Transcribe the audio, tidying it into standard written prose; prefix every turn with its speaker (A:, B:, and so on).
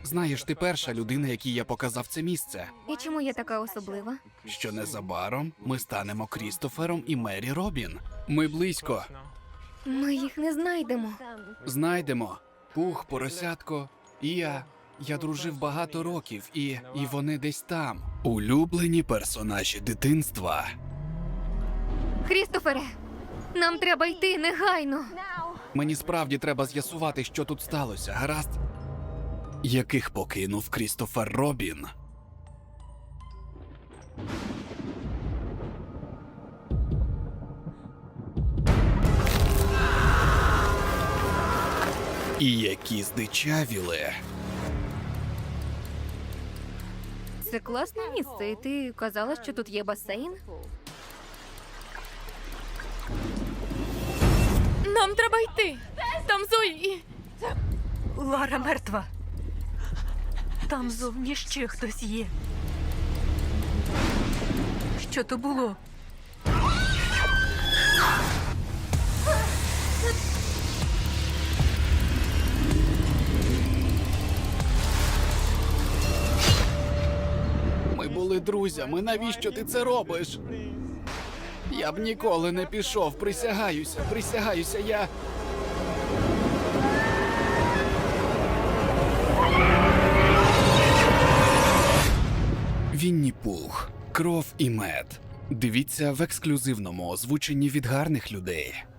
A: Знаєш, ти перша людина, якій я показав це місце.
B: І чому я така особлива?
A: Що незабаром ми станемо Крістофером і Мері Робін. Ми близько.
B: Ми їх не знайдемо.
A: Знайдемо. Пух, поросятко, і я. Я дружив багато років, і вони десь там. Улюблені персонажі дитинства.
B: Крістофере, нам треба йти негайно.
A: Мені справді треба з'ясувати, що тут сталося, гаразд? Яких покинув Крістофер Робін? І які здичавіли.
B: Це класне місце, і ти казала, що тут є басейн?
C: Нам треба йти. Там Зої.
D: Лара мертва. Там зовні ще хтось є. Що то було?
A: Ми були друзями, навіщо ти це робиш? Я б ніколи не пішов, присягаюся, я... Вінні Пух. Кров і мед. Дивіться в ексклюзивному озвученні від гарних людей.